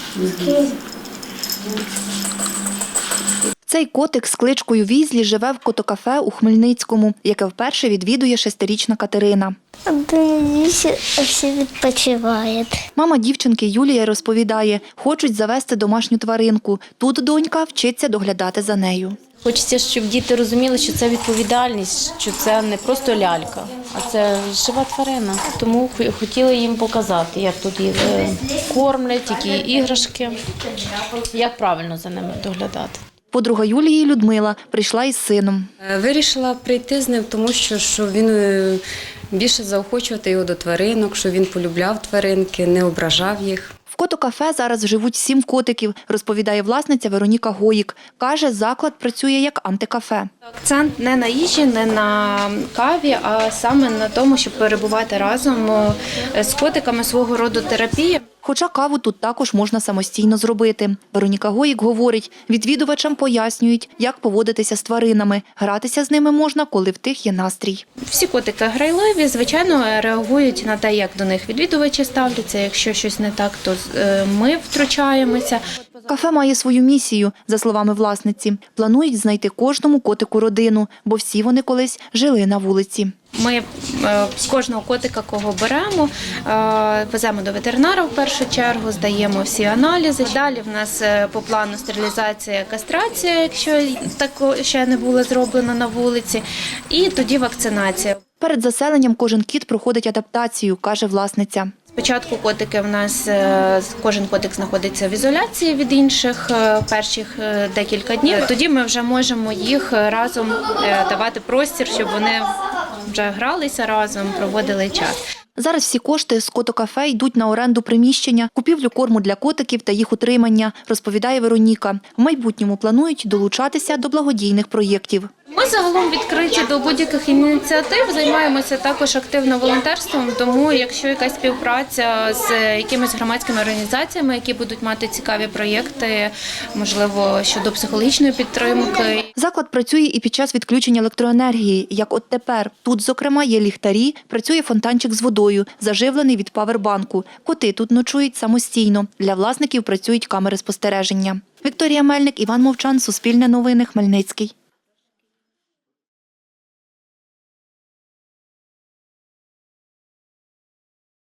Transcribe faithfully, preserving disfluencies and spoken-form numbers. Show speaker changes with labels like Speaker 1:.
Speaker 1: Цей котик з кличкою Візлі живе в котокафе у Хмельницькому, яке вперше відвідує шестирічна Катерина.
Speaker 2: Дивіться, всі відпочивають.
Speaker 1: Мама дівчинки Юлія розповідає, хочуть завести домашню тваринку. Тут донька вчиться доглядати за нею.
Speaker 3: Хочеться, щоб діти розуміли, що це відповідальність, що це не просто лялька, а це жива тварина. Тому хотіли їм показати, як тут їх кормлять, які іграшки, як правильно за ними доглядати.
Speaker 1: Подруга Юлії Людмила прийшла із сином.
Speaker 4: Вирішила прийти з ним, тому що, що він більше заохочувати його до тваринок, що він полюбляв тваринки, не ображав їх.
Speaker 1: В котокафе зараз живуть сім котиків, розповідає власниця Вероніка Гоїк. Каже, заклад працює як антикафе.
Speaker 5: Акцент не на їжі, не на каві, а саме на тому, щоб перебувати разом з котиками, свого роду терапія.
Speaker 1: Хоча каву тут також можна самостійно зробити. Вероніка Гоїк говорить, відвідувачам пояснюють, як поводитися з тваринами. Гратися з ними можна, коли в тих є настрій.
Speaker 5: Всі котики грайливі, звичайно, реагують на те, як до них відвідувачі ставляться. Якщо щось не так, то ми втручаємося.
Speaker 1: Кафе має свою місію, за словами власниці. Планують знайти кожному котику родину, бо всі вони колись жили на вулиці.
Speaker 5: Ми з кожного котика, кого беремо, веземо до ветеринара в першу чергу, здаємо всі аналізи. Далі в нас по плану стерилізація, кастрація, якщо так ще не було зроблено на вулиці, і тоді вакцинація.
Speaker 1: Перед заселенням кожен кіт проходить адаптацію, каже власниця.
Speaker 5: Спочатку котики в нас, кожен котик знаходиться в ізоляції від інших перших декілька днів. Тоді ми вже можемо їх разом давати простір, щоб вони вже гралися разом, проводили час.
Speaker 1: Зараз всі кошти з котокафе йдуть на оренду приміщення, купівлю корму для котиків та їх утримання, розповідає Вероніка. В майбутньому планують долучатися до благодійних проєктів.
Speaker 5: Ми загалом відкриті до будь-яких ініціатив, займаємося також активно волонтерством, тому якщо якась співпраця з якимись громадськими організаціями, які будуть мати цікаві проєкти, можливо, щодо психологічної підтримки.
Speaker 1: Заклад працює і під час відключення електроенергії, як от тепер. Тут, зокрема, є ліхтарі, працює фонтанчик з водою, заживлений від павербанку. Коти тут ночують самостійно. Для власників працюють камери спостереження. Вікторія Мельник, Іван Мовчан, Суспільне новини, Хмельницький.